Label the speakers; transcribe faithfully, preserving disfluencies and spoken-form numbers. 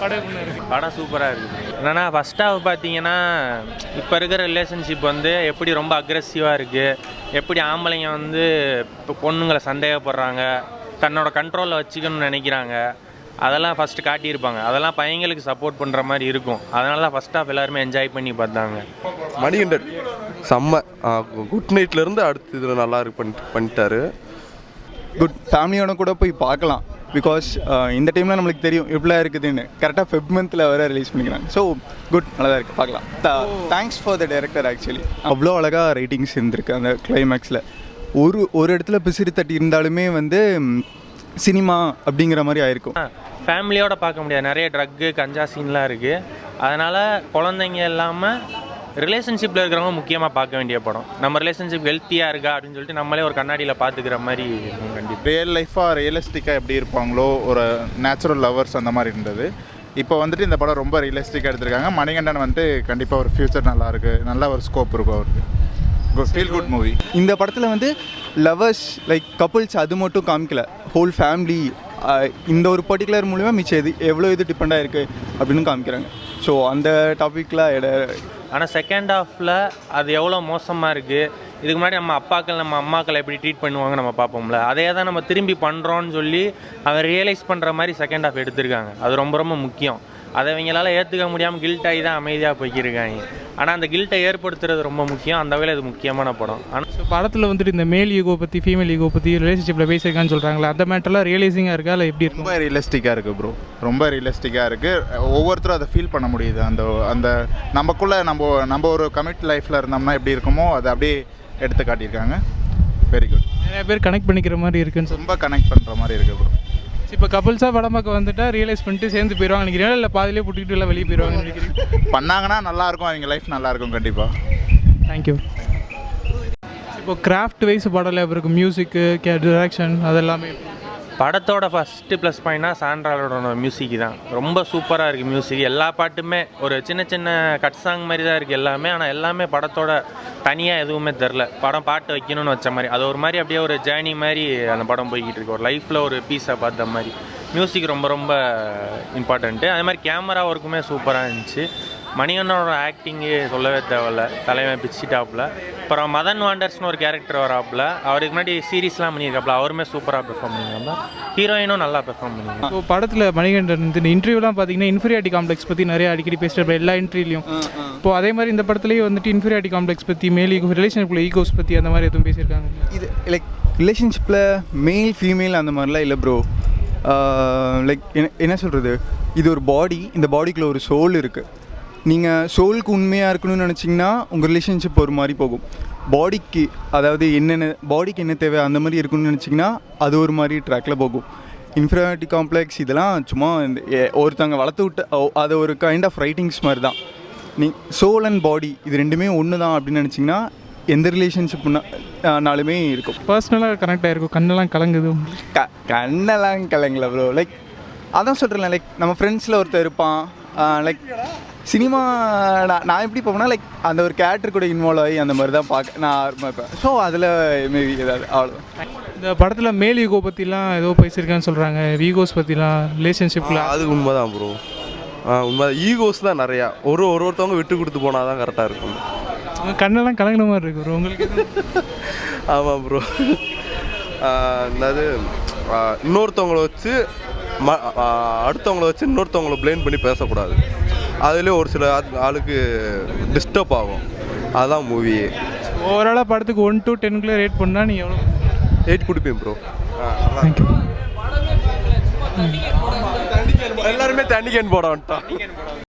Speaker 1: படம் இருக்குது?
Speaker 2: படம் சூப்பராக இருக்குது. என்னென்னா ஃபஸ்ட் ஹாஃப் பார்த்தீங்கன்னா இப்போ இருக்கிற ரிலேஷன்ஷிப் வந்து எப்படி ரொம்ப அக்ரெசிவாக இருக்குது, எப்படி ஆம்பளைங்க வந்து இப்போ பொண்ணுங்களை சந்தேகப்படுறாங்க, தன்னோட கண்ட்ரோலில் வச்சுக்கணும்னு நினைக்கிறாங்க, அதெல்லாம் ஃபஸ்ட்டு காட்டியிருப்பாங்க. அதெல்லாம் பையங்களுக்கு சப்போர்ட் பண்ணுற மாதிரி இருக்கும். அதனால தான் ஃபஸ்ட் ஹாஃப் எல்லாருமே என்ஜாய் பண்ணி பார்த்தாங்க.
Speaker 3: மணிகண்டன் செம்ம குட் நைட்லேருந்து அடுத்து இதில் நல்லா இருக்கு பண்ணி பண்ணிட்டாரு.
Speaker 4: குட் ஃபேமிலியோட கூட போய் பார்க்கலாம். பிகாஸ் இந்த டைமில் நம்மளுக்கு தெரியும் எப்படிலாம் இருக்குதுன்னு. கரெக்டாக ஃபெப் மந்தில் வர ரிலீஸ் பண்ணிக்கிறாங்க. ஸோ குட், நல்லா தான் இருக்குது, பார்க்கலாம். Thanks for the director. Actually அவ்வளோ அழகாக ரைட்டிங்ஸ் இருந்திருக்கு அந்த கிளைமேக்ஸில். ஒரு ஒரு இடத்துல பிசிறு தட்டி இருந்தாலுமே வந்து சினிமா அப்படிங்கிற மாதிரி ஆயிருக்கும்.
Speaker 2: ஃபேமிலியோடு பார்க்க முடியாது, நிறைய ட்ரக்கு கஞ்சா சீன்லாம் இருக்குது. அதனால் குழந்தைங்க இல்லாமல் ரிலேஷன்ஷிப்பில் இருக்கிறவங்க முக்கியமாக பார்க்க வேண்டிய படம். நம்ம ரிலேஷன்ஷிப் ஹெல்த்தியாக இருக்கா அப்படின்னு சொல்லிட்டு நம்மளே ஒரு கண்ணாடியில் பார்த்துக்கிற மாதிரி கண்டிப்பாக.
Speaker 5: ரியல் லைஃபாக ரியலிஸ்டிக்காக எப்படி இருப்பாங்களோ ஒரு நேச்சுரல் லவர்ஸ் அந்த மாதிரி இருந்தது. இப்போ வந்துட்டு இந்த படம் ரொம்ப ரியலிஸ்டிக்காக எடுத்திருக்காங்க. மணிகண்டன் வந்துட்டு கண்டிப்பாக ஒரு ஃப்யூச்சர் நல்லாயிருக்கு, நல்ல ஒரு ஸ்கோப் இருக்கும் அவருக்கு. Feel good movie.
Speaker 4: இந்த படத்தில் வந்து லவர்ஸ் லைக் கப்புள்ஸ் அது மட்டும் காமிக்கல, ஹோல் ஃபேமிலி இந்த ஒரு பர்டிகுலர் மூலிமா மிச்சம் எது எவ்வளோ இது டிபெண்டாக இருக்குது அப்படின்னு காமிக்கிறாங்க. ஸோ அந்த டாப்பிக்கில் இட
Speaker 2: ஆனால் செகண்ட் ஹாஃபில் அது எவ்வளோ மோசமாக இருக்குது. இதுக்கு முன்னாடி நம்ம அப்பாக்கள் நம்ம அம்மாக்களை எப்படி ட்ரீட் பண்ணுவாங்க நம்ம பார்ப்போம்ல, அதே தான் நம்ம திரும்பி பண்ணுறோன்னு சொல்லி அவன் ரியலைஸ் பண்ணுற மாதிரி செகண்ட் ஹாஃப் எடுத்திருக்காங்க. அது ரொம்ப ரொம்ப முக்கியம். அதை இவங்களால ஏற்றுக்க முடியாமல் கில்ட் ஆகி தான் அமைதியாக போய்க்கிருக்காங்க. ஆனால் அந்த கில்ட்டை ஏற்படுத்துறது ரொம்ப முக்கியம். அந்த வகையில் இது முக்கியமான படம். ஆனால்
Speaker 1: ஸோ படத்தில் வந்துட்டு இந்த மேல் ஈகோ பற்றி ஃபீமேல் ஈகோ பற்றி ரிலேஷன்ஷிப்பில் பேசியிருக்கான்னு சொல்கிறாங்களா, அந்த மேட்டர்லாம் ரியலைசிங்காக இருக்கா இல்லை எப்படி இருக்கும்?
Speaker 5: ரொம்ப ரியலிஸ்டிக்காக இருக்குது ப்ரோ, ரொம்ப ரியலிஸ்டிக்காக இருக்குது. ஒவ்வொருத்தரும் அதை ஃபீல் பண்ண முடியுது. அந்த அந்த நமக்குள்ளே நம்ம நம்ம ஒரு கமிட் லைஃப்பில் இருந்தோம்னா எப்படி இருக்குமோ அதை அப்படியே எடுத்து காட்டியிருக்காங்க. Very good.
Speaker 1: நிறைய பேர் கனெக்ட் பண்ணிக்கிற மாதிரி இருக்குன்னு
Speaker 5: ரொம்ப கனெக்ட் பண்ணுற மாதிரி இருக்குது ப்ரோ.
Speaker 1: இப்போ கப்புள்ஸாக படம் பார்க்க வந்துட்டா ரியலைஸ் பண்ணிட்டு சேர்ந்து போயிடுவாங்க நினைக்கிறீங்களா, இல்லை பாதிலே புட்டிக்கிட்டு எல்லாம் வெளியே போயிடுவாங்க நினைக்கிறீங்க?
Speaker 5: பண்ணாங்கன்னா நல்லாயிருக்கும், அவங்க லைஃப் நல்லாயிருக்கும் கண்டிப்பாக.
Speaker 1: தேங்க்யூ. இப்போ கிராஃப்ட் வைஸ் படம் எப்படி இருக்கும்? மியூசிக்கு, கே டிரெக்ஷன் அதெல்லாமே
Speaker 2: படத்தோட ஃபஸ்ட்டு ப்ளஸ் பாயிண்ட்னா சாண்ட்ராலோட மியூசிக் தான். ரொம்ப சூப்பராக இருக்குது மியூசிக். எல்லா பாட்டுமே ஒரு சின்ன சின்ன கட் சாங் மாதிரி தான் இருக்குது எல்லாமே. ஆனால் எல்லாமே படத்தோட தனியாக எதுவுமே தெரில. படம் பாட்டு வைக்கணும்னு வச்ச மாதிரி அது ஒரு மாதிரி அப்படியே ஒரு ஜேர்னி மாதிரி அந்த படம் போய்கிட்டு இருக்கு. ஒரு லைஃப்பில் ஒரு பீஸை பார்த்த மாதிரி. மியூசிக் ரொம்ப ரொம்ப இம்பார்ட்டண்ட்டு. அதே மாதிரி கேமரா ஒர்க்குமே சூப்பராக இருந்துச்சு. மணிகண்ணனோட ஆக்டிங்கு சொல்லவே தேவையில்ல, தலைவன் பிச்சி டாப்பில். அப்புறம் மதன் வாண்டர்ஸ்னு ஒரு கேரக்டர் வராப்பில், அவருக்கு முன்னாடி சீரீஸ்லாம் பண்ணியிருக்காப்புல, அவருமே சூப்பராக பெர்ஃபார்ம் பண்ணியிருக்காங்க. ஹீரோயினும் நல்லா பெர்ஃபார்ம் பண்ணியிருக்காங்க.
Speaker 1: இப்போ படத்தில் மணிகண்டன் இந்த இன்டர்வியூலாம் பார்த்தீங்கன்னா இன்ஃபீரியாரிட்டி காம்ப்ளெக்ஸ் பற்றி நிறைய அடிக்கடி பேசுகிற எல்லா இன்டர்வியூலையும். இப்போது அதே மாதிரி இந்த படத்துலேயே வந்துட்டு இன்ஃபீரியாரிட்டி காம்ப்ளெக்ஸ் பற்றி, மேல் ஈகோ, ரிலேஷன்ஷிப்பில் ஈகோஸ் பற்றி அந்த மாதிரி எதுவும் பேசியிருக்காங்க?
Speaker 4: இது லைக் ரிலேஷன்ஷிப்பில் மேல் ஃபீமேல் அந்த மாதிரிலாம் இல்லை ப்ரோ. லைக் என்ன என்ன சொல்கிறது, இது ஒரு பாடி, இந்த பாடிக்குள்ளே ஒரு சோல் இருக்குது. நீங்கள் சோலுக்கு உண்மையாக இருக்கணும்னு நினச்சிங்கன்னா உங்கள் ரிலேஷன்ஷிப் ஒரு மாதிரி போகும். பாடிக்கு அதாவது என்னென்ன பாடிக்கு என்ன தேவை அந்த மாதிரி இருக்கணும்னு நினச்சிங்கன்னா அது ஒரு மாதிரி ட்ராக்கில் போகும். இன்ஃபீரியாரிட்டி காம்ப்ளெக்ஸ் இதெல்லாம் சும்மா இந்த ஒருத்தவங்க வளர்த்து விட்டு அது ஒரு கைண்ட் ஆஃப் ரைட்டிங்ஸ் மாதிரி தான். நீ சோல் அண்ட் பாடி இது ரெண்டுமே ஒன்று தான் அப்படின்னு நினச்சிங்கன்னா எந்த ரிலேஷன்ஷிப்னாலுமே இருக்கும்.
Speaker 1: பர்சனலாக கனெக்ட் ஆகிருக்கும். கண்ணெல்லாம் கலங்குது.
Speaker 4: க கண்ணெல்லாம் கலங்கல ப்ரோ. லைக் அதான் சொல்கிறேன், லைக் நம்ம ஃப்ரெண்ட்ஸில் ஒருத்தர் இருப்பான். லைக் சினிமா நான் நான் எப்படி போவேன்னா லைக் அந்த ஒரு கேரக்டர் கூட இன்வால்வ் ஆகி அந்த மாதிரி தான் பார்க்க நான் இருப்பேன். ஸோ அதில் மேபி ஏதாவது அவ்வளோதான்.
Speaker 1: இந்த படத்தில் மேல் ஈகோ பற்றிலாம் ஏதோ பேசியிருக்கான்னு சொல்கிறாங்க, ஈகோஸ் பற்றிலாம் ரிலேஷன்ஷிப்பில்.
Speaker 3: அது உண்மை தான் ப்ரோ. உண்மை ஈகோஸ் தான் நிறையா. ஒரு ஒரு ஒருத்தவங்க விட்டு கொடுத்து போனால் தான் கரெக்டாக இருக்கும்.
Speaker 1: அவங்க கண்ணெல்லாம் கலங்கின மாதிரி இருக்கு ப்ரோ உங்களுக்கு.
Speaker 3: ஆமாம் ப்ரோ. என்னது இன்னொருத்தவங்கள வச்சு ம அடுத்தவங்கள வச்சு இன்னொருத்தவங்கள ப்ளேம் பண்ணி பேசக்கூடாது. அதுலேயே ஒரு சில ஆளுக்கு டிஸ்டர்ப் ஆகும். அதுதான் மூவியே.
Speaker 1: ஓவராலாக படத்துக்கு ஒன் டு டென்குள்ளே ரேட் பண்ணால் நீங்கள் எவ்வளோ?
Speaker 3: எயிட் கொடுப்பேன் ப்ரோ. எல்லாருமே தண்ணி கேன் போட வந்துட்டான்.